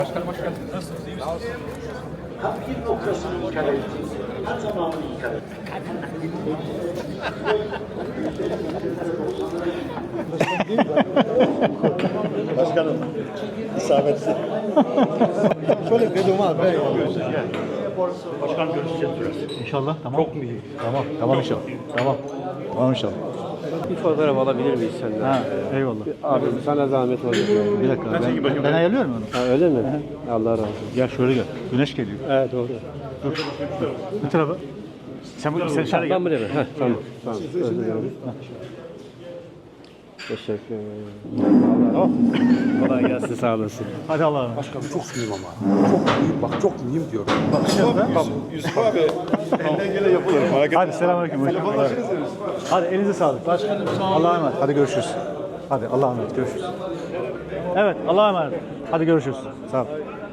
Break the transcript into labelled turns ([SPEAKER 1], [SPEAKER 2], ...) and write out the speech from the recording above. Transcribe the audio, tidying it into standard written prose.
[SPEAKER 1] Başkanım hoş geldiniz. Nasılsınız? İyi misiniz?
[SPEAKER 2] Tam bir noktasını ikar ettik. Her zaman ikar ettik.
[SPEAKER 3] Başkanım, isabetli. Şöyle bir doma ben ya.
[SPEAKER 1] Başkan görüşeceğiz biraz.
[SPEAKER 3] İnşallah, tamam. Çok mu iyi? Tamam inşallah. Tamam inşallah.
[SPEAKER 4] Bir fotoğraf alabilir miyiz senden?
[SPEAKER 3] Ha, eyvallah.
[SPEAKER 4] Abi sana zahmet olur.
[SPEAKER 3] Bir dakika, ben ayarlıyorum onu.
[SPEAKER 4] Ha, öyle mi? Allah razı olsun.
[SPEAKER 3] Gel şöyle gel. Güneş geliyor.
[SPEAKER 4] Evet doğru.
[SPEAKER 3] Dur. Bu tarafa. Sen dışarı gel.
[SPEAKER 4] Ben buraya ben. Tamam. Tamam. Özür dilerim. Teşekkür ederim.
[SPEAKER 3] Tamam.
[SPEAKER 4] Kolay gelsin, sağ olasın.
[SPEAKER 3] Hadi Allah'a emanet.
[SPEAKER 5] Başkanım çok mühim ama. Çok mühim, bak çok mühim diyorum.
[SPEAKER 1] Yusuf abi elinden gene yapılır.
[SPEAKER 3] Hadi selamünaleyküm. Hadi elinize sağlık.
[SPEAKER 1] Başkanım sağ olun.
[SPEAKER 3] Allah'a emanet. Hadi görüşürüz. Hadi Allah'a emanet. Görüşürüz. Evet Allah'a emanet. Hadi görüşürüz. Sağ ol.